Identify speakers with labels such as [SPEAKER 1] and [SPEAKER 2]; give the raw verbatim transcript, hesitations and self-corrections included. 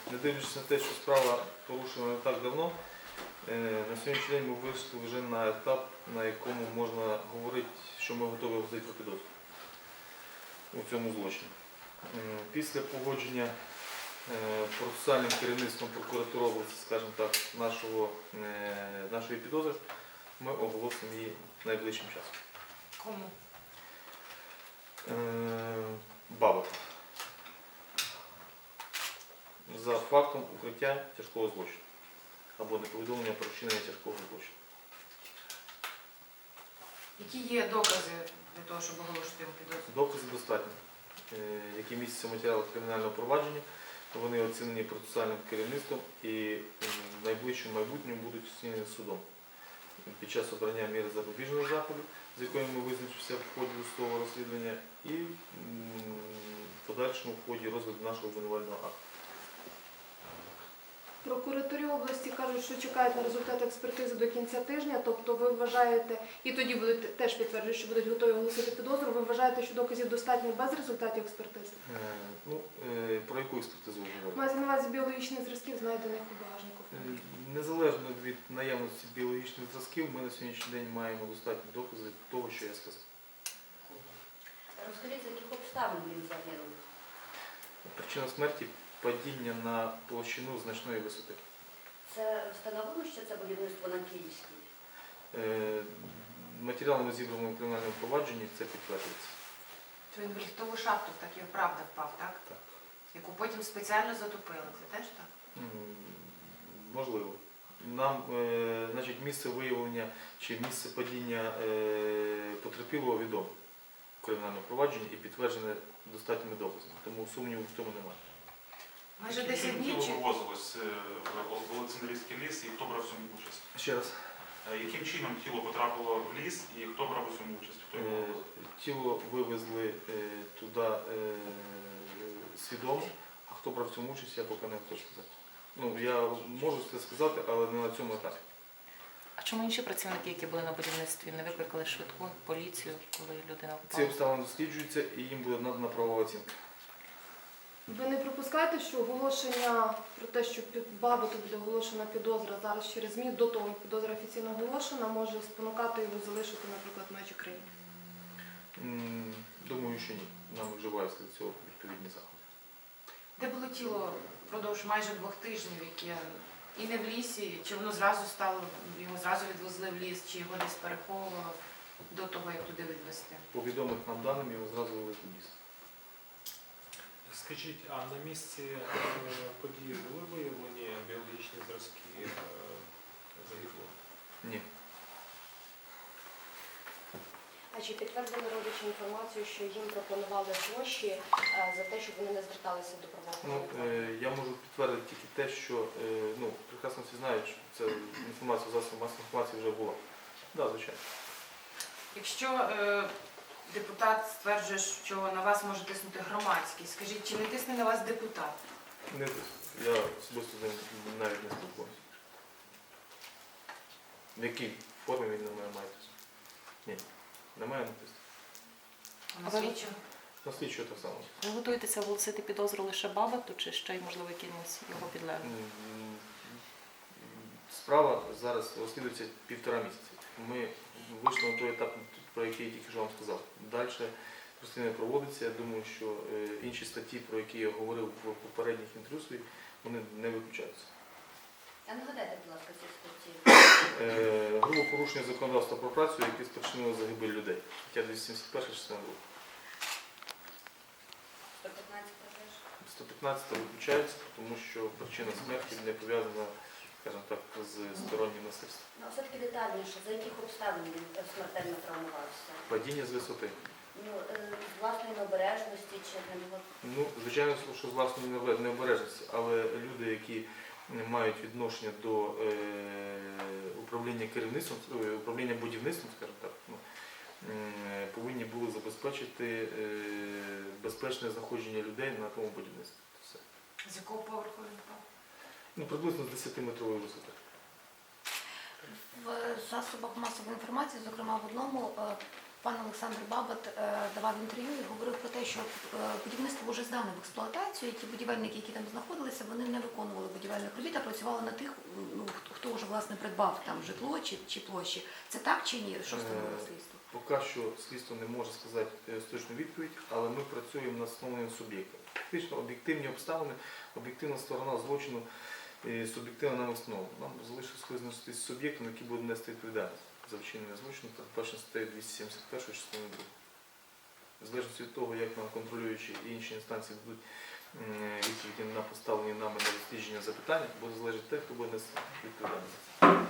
[SPEAKER 1] Не дивлячись на те, що справа порушена не так давно, на сьогоднішній день ми вийшли вже на етап, на якому можна говорити, що ми готові оголосити про підозру у цьому злочині. Після погодження процесуальним керівництвом прокуратури області, скажімо так, нашого, нашої підозри, ми оголосимо її найближчим часом.
[SPEAKER 2] Кому?
[SPEAKER 1] Бабак. За фактом укриття тяжкого злочину або неповідомлення про вчинення тяжкого злочину.
[SPEAKER 2] Які є докази для того, щоб оголошувати йому підозру?
[SPEAKER 1] Докази достатні, які містяться в матеріалах кримінального провадження. Вони оцінені процесуальним керівництвом і в найближчому майбутньому будуть оцінені судом. Під час обрання міри запобіжного заходу, з якою ми визначимося в ході судового розслідування, і в подальшому в ході розгляду нашого обвинувального акту.
[SPEAKER 3] В прокуратурі області кажуть, що чекають на результати експертизи до кінця тижня, тобто ви вважаєте, і тоді будуть теж підтверджують, що будуть готові оголосити підозру, ви вважаєте, що доказів достатньо без результатів експертизи?
[SPEAKER 1] Е, ну, е, про яку експертизу ви говорите?
[SPEAKER 3] Мається на увазі біологічних зразків, знайдених у багажнику.
[SPEAKER 1] Е, Незалежно від наявності біологічних зразків, ми на сьогоднішній день маємо достатні докази того, що я сказав.
[SPEAKER 4] Розкажіть, з яких обставин він загинув?
[SPEAKER 1] Причина смерті – падіння на площину значної висоти.
[SPEAKER 4] Це встановлено, що це будівництво на Київській?
[SPEAKER 1] Е, Матеріалами зібраному кримінальному провадженні це підтверджується.
[SPEAKER 2] То він в ліфтову шахту так і правда впав, так?
[SPEAKER 1] Так.
[SPEAKER 2] Яку потім спеціально затопили. Це теж так?
[SPEAKER 1] М, Можливо. Нам, е, значить, місце виявлення чи місце падіння е, потерпілого відомо в кримінальному провадженні і підтверджене достатніми доказами. Тому сумніву в тому немає.
[SPEAKER 2] Майже десять днів
[SPEAKER 5] Тіло
[SPEAKER 2] чи...
[SPEAKER 5] вивозилось в Олександрійський ліс і хто брав в цьому участь?
[SPEAKER 1] Ще раз.
[SPEAKER 5] Яким чином тіло потрапило в ліс і хто брав у цьому участь? Хто його
[SPEAKER 1] Е,
[SPEAKER 5] вивозив?
[SPEAKER 1] Тіло вивезли е, туди е, свідомо, а хто брав в цьому участь, я поки не готовий сказати. Ну, я можу це сказати, але не на цьому етапі.
[SPEAKER 6] А чому інші працівники, які були на будівництві, не викликали швидку, поліцію, коли людина
[SPEAKER 1] Ці
[SPEAKER 6] впала?
[SPEAKER 1] обставини досліджуються і їм буде надана правова оцінка.
[SPEAKER 3] Ви не припускаєте, що оголошення про те, що під Бабуту буде оголошена підозра зараз через ЗМІ, до того, як підозра офіційно оголошена, може спонукати його залишити, наприклад, межі країни?
[SPEAKER 1] М, Думаю, що ні. Нам вживаються до цього відповідні заходи.
[SPEAKER 2] Де було тіло впродовж майже двох тижнів, яке і не в лісі, чи воно зразу стало, його зразу відвезли в ліс, чи його десь переховувало до того, як туди відвезти?
[SPEAKER 1] По відомих нам даним його зразу вивезли в ліс.
[SPEAKER 7] Скажіть, а на місці е, події були виявлені біологічні зразки е, загиблого?
[SPEAKER 1] Ні.
[SPEAKER 4] А чи підтвердили родичі інформацію, що їм пропонували гроші е, за те, щоб вони не зверталися до
[SPEAKER 1] Ну,
[SPEAKER 4] правоохоронних?
[SPEAKER 1] е, я можу підтвердити тільки те, що е, ну, прекрасно всі знають, що це інформація, засобів масової інформації вже була. Так, да, звичайно.
[SPEAKER 2] Якщо е, депутат стверджує, що на вас може тиснути громадськість, скажіть, чи не тисне на вас депутат?
[SPEAKER 1] Не, я особисто з ним навіть не спілкуюся. В якій формі він на мене має тиснути? Ні, немає натиску.
[SPEAKER 2] А на
[SPEAKER 6] А ви-
[SPEAKER 2] слідчого?
[SPEAKER 1] На слідчого так само.
[SPEAKER 6] Ви готуєтеся оголосити підозру лише Бабату, чи ще й, можливо, якимось його підлеглим?
[SPEAKER 1] М, Справа зараз розслідується півтора місяці. Ми вийшли на той етап, про який я тільки що вам сказав. Далі розслідування проводиться. Я думаю, що е, інші статті, про які я говорив в попередніх інтерв'ю своїх, вони не виключаються.
[SPEAKER 4] А нагадайте, будь ласка, ці статті.
[SPEAKER 1] Е, Грубе порушення законодавства про працю, яке спричинило загибель людей. Стаття двісті сімдесят перша, частина друга.
[SPEAKER 4] сто п'ятнадцять теж?
[SPEAKER 1] сто п'ятнадцять виключається, тому що причина смерті не пов'язана, скажімо так, з стороннім насильством.
[SPEAKER 4] Ну, а все-таки детальніше, за яких обставин він смертельно травмувався?
[SPEAKER 1] Падіння з висоти.
[SPEAKER 4] Ну, е, з власної необережності чи на нього?
[SPEAKER 1] Ну, звичайно, що з власної неве- необережності, але люди, які мають відношення до е, управління керівництвом, е, управління будівництвом, скажімо так, ну, м, повинні були забезпечити е, безпечне знаходження людей на тому будівництві. Все.
[SPEAKER 2] З якого поверху він впав?
[SPEAKER 1] Ну, приблизно з десятиметрової висоти.
[SPEAKER 8] В засобах масової інформації, зокрема в одному, е, Пан Олександр Бабат е, давав інтерв'ю і говорив про те, що е, будівництво вже здане в експлуатацію, і ті будівельники, які там знаходилися, вони не виконували будівельних робіт, а працювали на тих, ну, хто- хто вже власне придбав там житло чи, чи площі. Це так чи ні? Що встановило
[SPEAKER 1] Е,
[SPEAKER 8] слідство?
[SPEAKER 1] Поки що слідство не може сказати е, точну відповідь, але ми працюємо над встановленням суб'єкта. Фактично об'єктивні обставини, об'єктивна сторона злочину, і суб'єктивна нам встановлена. Нам залишилось визначитися з суб'єктом, який буде нести відповідальність за вчинення злочину, передбачено статтею двісті сімдесят один частиною другою. В залежності від того, як нам контролюючі і інші інстанції дадуть м, відповіді на поставлені нами на дослідження запитання, буде залежати те, хто буде нести відповідальність.